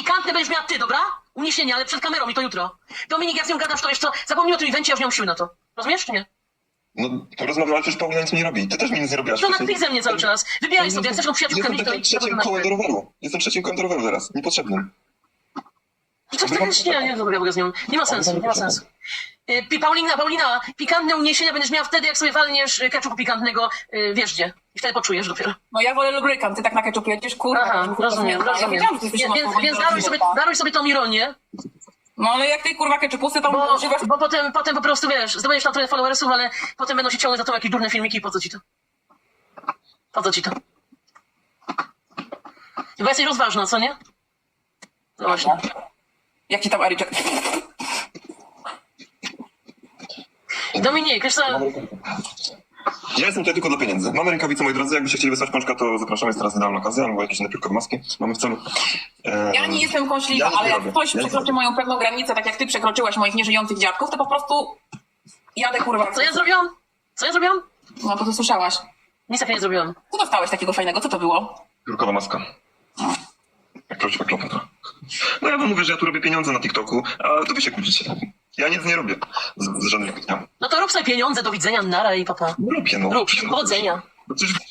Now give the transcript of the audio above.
Pikantne będziesz miała ty, dobra? Uniesienie, ale przed kamerą i to jutro. Dominik, jak z nią gadasz, to jeszcze zapomnij o tym evencie, ja już nie mam siły na to. Rozumiesz, czy nie? No, porozmawiam, ale przecież Paulina nic mi nie robi. Ty też mi nic nie robiłaś To na wcześniej. ty ze mnie cały czas. Wybieraj sobie, jak chcesz tą przyjaciółkę Jestem mieć, to takim idź trzecim kołem do roweru. Jestem trzecim kołem do roweru teraz. Niepotrzebnym. I coś takiego nie rozmawiam z nią. Nie ma sensu, nie ma sensu. Paulina, pikantne uniesienia będziesz miała wtedy, jak sobie walniesz ketchupu pikantnego wiesz gdzie. I wtedy poczujesz dopiero. No ja wolę lubrykant, ty tak na ketchup jedziesz, kurwa. Aha, rozumiem. Ja wiedziałam, że ty jesteś Więc daruj sobie tą ironię, No ale jak tej kurwa ketchupusy tam używasz... bo potem po prostu wiesz, zdobędziesz tam trochę followersów, ale potem będą się ciągnąć za to jakieś durne filmiki i po co ci to? Po co ci to? Bo jesteś rozważna, co nie? No właśnie. Jak ci tam Ariczek? Dominik, wiesz co? Ja jestem tutaj tylko dla pieniędzy. Mamy rękawice, moi drodzy. Jakbyście chcieli wysłać pączka, to zapraszamy. Jest teraz idealna okazja, albo jakieś inne piórkowe maski. Mamy w celu. Ja nie jestem kąśliwa, Ja nie ale jak robię. ktoś Ja nie przekroczy robię. moją pewną granicę, tak jak ty przekroczyłaś moich nieżyjących dziadków, to po prostu jadę kurwa. Co ja zrobiłam? Co ja zrobiłam? No to ty słyszałaś. Nic takiego nie zrobiłam. Co dostałeś takiego fajnego? Co to było? Piórkowa maska. Jak prawdziwa Kleopatra. No ja wam mówię, że ja tu robię pieniądze na TikToku, a to wy się kłócicie. Ja nic nie robię z żadnych dnia. No to rób sobie pieniądze, do widzenia, nara i papa. No robię, no. Rób, powodzenia. No przecież